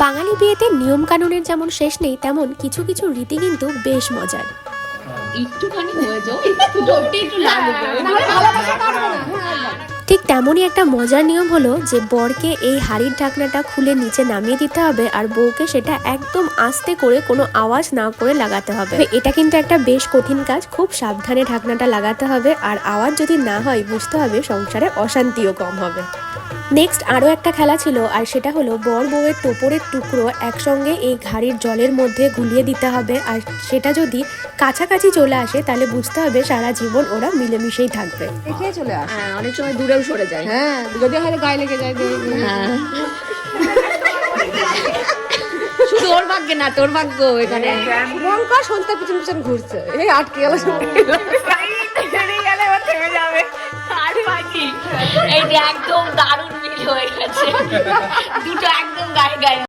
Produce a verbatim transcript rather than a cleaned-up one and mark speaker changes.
Speaker 1: বাঙালি বিয়েতে নিয়ম কানুনের যেমন শেষ নেই, তেমন কিছু কিছু রীতি কিন্তু বেশ মজার।
Speaker 2: একটুখানি হয়ে যাও, একটু ধরতে একটু লাগবে।
Speaker 1: ঠিক তেমনই একটা মজার নিয়ম হলো যে বরকে এই হাড়ির ঢাকনাটা খুলে নিচে নামিয়ে দিতে হবে, আর বউকে সেটা একদম আস্তে করে কোনো আওয়াজ না করে লাগাতে হবে। এটা কিন্তু একটা বেশ কঠিন কাজ, খুব সাবধানে ঢাকনাটা লাগাতে হবে, আর আওয়াজ যদি না হয় বুঝতে হবে সংসারে অশান্তিও কম হবে। নেক্সট আরও একটা খেলা ছিল, আর সেটা হলো বর বউয়ের টোপরের টুকরো একসঙ্গে এই ঘাড়ির জলের মধ্যে গুলিয়ে দিতে হবে, আর সেটা যদি কাছাকাছি চলে আসে তাহলে বুঝতে হবে সারা জীবন ওরা মিলেমিশেই থাকবে।
Speaker 3: দেখে চলে আসে।
Speaker 2: হ্যাঁ, অনেক সময় দূরেও সরে যায়।
Speaker 3: হ্যাঁ, যদি হয়তো গায়ে লেগে যায়।
Speaker 2: হ্যাঁ, শুধু ওর ভাগ্যে না, তোর ভাগ্য এখানে।
Speaker 3: লঙ্কা সন্ধ্যা পিছন পিছন ঘুরছে, এই আটকে গেল।
Speaker 2: এইটা একদম দারুণ মিল হয়ে গেছে, দুটো একদম গায়ে গায়ে।